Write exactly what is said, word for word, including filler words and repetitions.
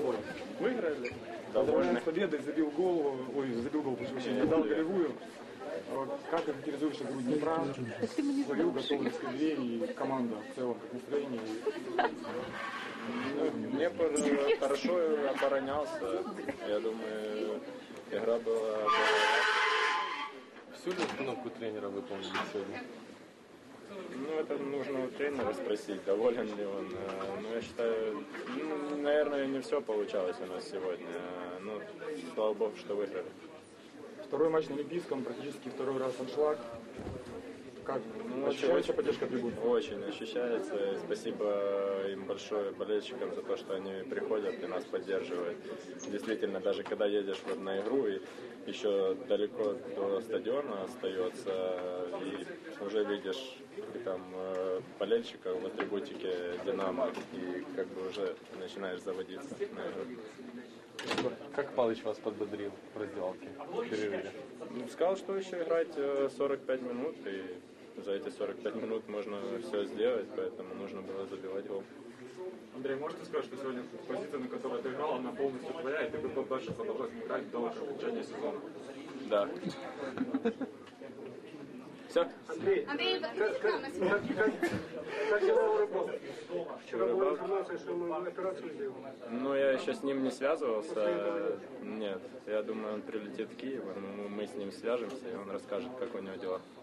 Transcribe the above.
Вот. Выиграли. Довольно с победой, забил гол, ой, забил гол, прошу прощения, дал голевую. Вот. Как характеризуешь игру Днепра? Свою готовность к игре и команда в целом, как настроение? Ну, Днепр хорошо оборонялся. Я думаю, игра была... Всю ли установку тренера выполнили сегодня? Ну, это нужно у тренера спросить, доволен ли он. Но я считаю, ну, наверное, не все получалось у нас сегодня. Ну, слава богу, что выиграли. Второй матч на Олимпийском, практически второй раз аншлаг. Как? Ну, Ощущается поддержка трибун? Очень ощущается. Спасибо им большое, болельщикам, за то, что они приходят и нас поддерживают. Действительно, даже когда едешь вот на игру и еще далеко до стадиона остается, и уже видишь там болельщиков в атрибутике «Динамо», и как бы уже начинаешь заводиться на игру. Как Палыч вас подбодрил в раздевалке, в перерыве? Ну, сказал, что еще играть сорок пять минут, и за эти сорок пять минут можно все сделать, поэтому нужно было забивать гол. Андрей, можете сказать, что сегодня позиция, на которой ты играл, она полностью твоя, и ты готов дальше продолжать играть до окончания сезона? Да. Все? Андрей, Андрей, как, как, как, как, как дела у Рыбалки? Вчера была информация, что мы операцию сделали. Ну, я еще с ним не связывался. Нет, я думаю, он прилетит в Киев, мы с ним свяжемся, и он расскажет, как у него дела.